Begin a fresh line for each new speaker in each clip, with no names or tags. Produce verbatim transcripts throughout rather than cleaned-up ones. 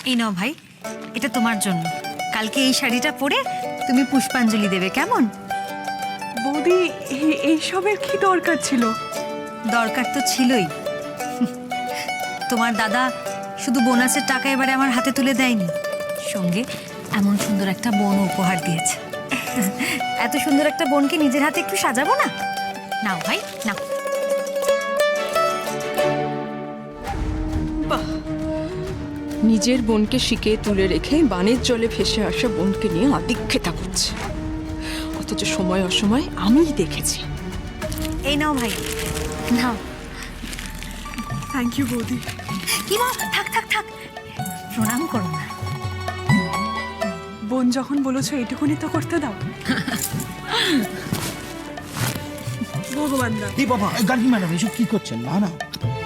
এই নাও ভাই, এটা তোমার জন্য। কালকে এই শাড়িটা পরে তুমি পুষ্পাঞ্জলি দেবে, কেমন?
বৌদি এ- এইসবের কি দরকার ছিল?
দরকার তো ছিলই। তোমার দাদা শুধু বোনাসের টাকা এবারে আমার হাতে তুলে দেয়নি, সঙ্গে এমন সুন্দর একটা বোন উপহার দিয়েছে। এত সুন্দর একটা বোনকে নিজের হাতে একটু সাজাবো না? নাও ভাই নাও।
নিজের বোনকে শিকে তুলে রেখে বানের জলে ভেসে আসা বোনকে নিয়ে আদিক্ষেতা করছে, অথচ সময় অসময় আমিই দেখেছি।
এই নাও ভাই, নাও।
থ্যাংক ইউ বৌদি।
কি মা, থাক থাক থাক, প্রণাম করো না।
বোন যখন বলেছো এইটুকুনি তো করতে দাও। ভগবান দা।
এই বাবা, গার্গী ম্যাডাম এসব কি করছেন? না না,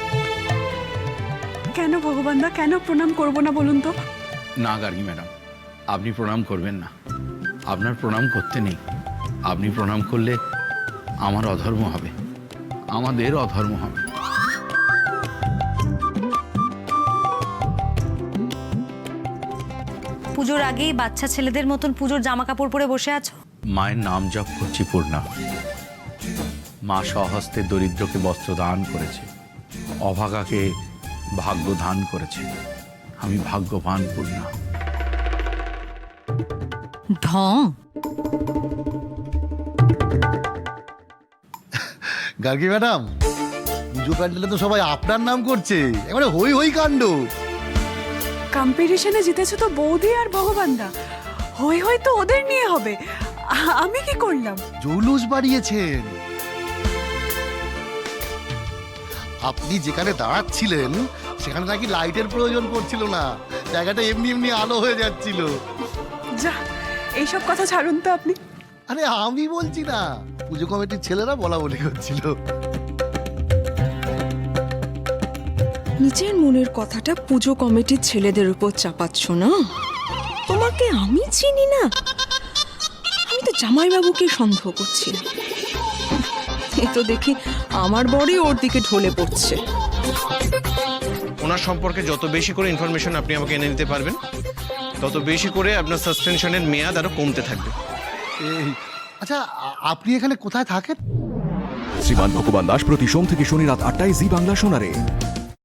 কেন ভগবান দা, কেন প্রণাম করব না বলুন তো?
না গার্গী ম্যাডাম, আপনি প্রণাম করবেন না। আপনার প্রণাম করতে নেই। আপনি প্রণাম করলে আমার অধর্ম হবে, আমাদের অধর্ম হবে।
পুজোর আগেই বাচ্চা ছেলেদের মতন পুজোর জামা কাপড় পরে বসে আছো।
মায়ের নাম জপ করছি পূর্ণা। মা স্বহস্তে দরিদ্রকে বস্ত্র দান করেছে, অভাগাকে ভাগ্য দান করেছে। আমি ভাগ্যবান পূর্ণা।
ঢং।
গার্গী ম্যাডাম, পুজো প্যান্ডেলে তো সবাই আপনার নাম করছে, এবারে হই হই কাণ্ড।
কম্পিটিশনে জিতেছো তো বৌদি আর ভগবান দা, হই হই তো ওদের নিয়ে হবে। আ- আমি কি করলাম?
জৌলুস বাড়িয়েছেন। আপনি যেখানে দাঁড়াচ্ছিলেন সেখানে নাকি লাইটের প্রয়োজন পড়ছিল না, জায়গাটা এমনি এমনি আলো হয়ে যাচ্ছিল।
যা, এইসব কথা ছাড়ুন তো আপনি।
আরে আমি বলছি না, পুজো কমিটির ছেলেরা বলা বলি করছিল।
নিজের মনের কথাটা পুজো কমিটির ছেলেদের উপর চাপাচ্ছ না? তোমাকে আমি চিনি না? আমি তো জামাইবাবুকে সন্দেহ করছি। এ তো দেখি আমার বড়ই ওর দিকে ঢলে পড়ছে।
ওনার সম্পর্কে যত বেশি করে ইনফরমেশন আপনি আমাকে এনে দিতে পারবেন, তত বেশি করে আপনার সাসপেনশনের মেয়াদ আরো কমতে থাকবে।
এই, আচ্ছা আ- আপনি এখানে কোথায় থাকেন?
শ্রীমান ভগবান দাস প্রতি সোম থেকে শনি রাত আটটায় জি বাংলা শোনারে।